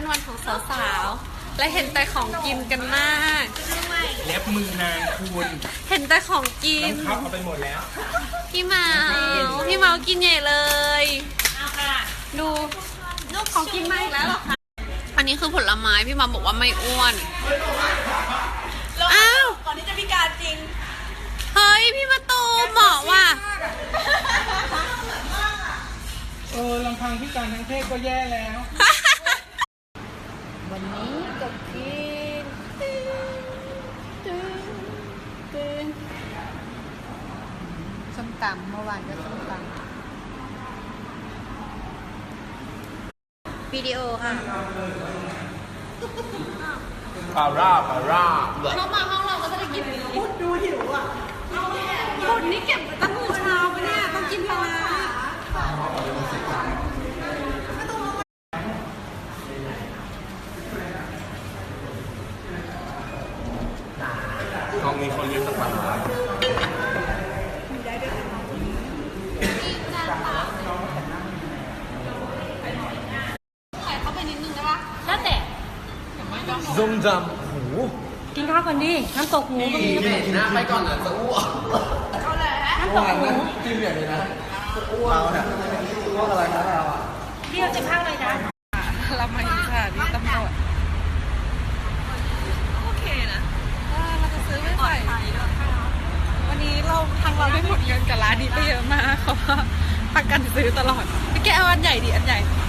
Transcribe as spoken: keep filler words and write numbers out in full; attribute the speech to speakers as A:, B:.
A: เป็นวันของสาวๆและเห็นแต่ของกินกันมาก
B: เล็บมือนางคุณ
A: เห็นแต่ของกิน
B: น้องเขาเอาไปหมดแล้ว
A: พี่เมาพี่เมากินใหญ่เลยดูลูกของกินมาอีกแล้วหรอคะอันนี้คือผลไม้พี่เมาบอกว่าไม่อ้วนอ้าว
C: ก่อนที่จะพิการจริง
A: เฮ้ยพี่มาตูเหมาะว่ะ
B: เออลำพังพิการทั้งเพศก็แย่แล้ว
A: วันนี้ก็กินส้มตำเมื่อวานก็ส้มตำวิดีโอค่ะ
B: ปาร่าปาร่า
A: เรามาห้องเราก็จะได้กินพูดดูหิวอ่ะพูดนี่เก็บตั้งแต่เช้าไปเนี่ยต้องกินปลา
B: ห้องนี้คนเรียนสถาบัน
A: ใส่เข้าไปนิดนึงได้ปะแล้วแต่
B: ซงจำหู
C: กินข้าวกันดิน้ำตกหมูก็มี
B: กินนะไปก่อนเหรอจะอ้วก
C: น้ำตกหมู
B: จิ้มอย่างนี้นะอ้วกเนี่ยอ้วกอะไรนะเราอ่ะ
C: เรียกจะข้าวเลยนะ
A: เรามาอยู่สถานีตำรวจโอเคนะเราจะซื้อไม่ไหววันนี้เราทางเราได้หมดเงินกับร้านนี้ไปเยอะมากเพราะว่าประกันซื้อตลอดพี่แกเอาอันใหญ่ดิอันใหญ่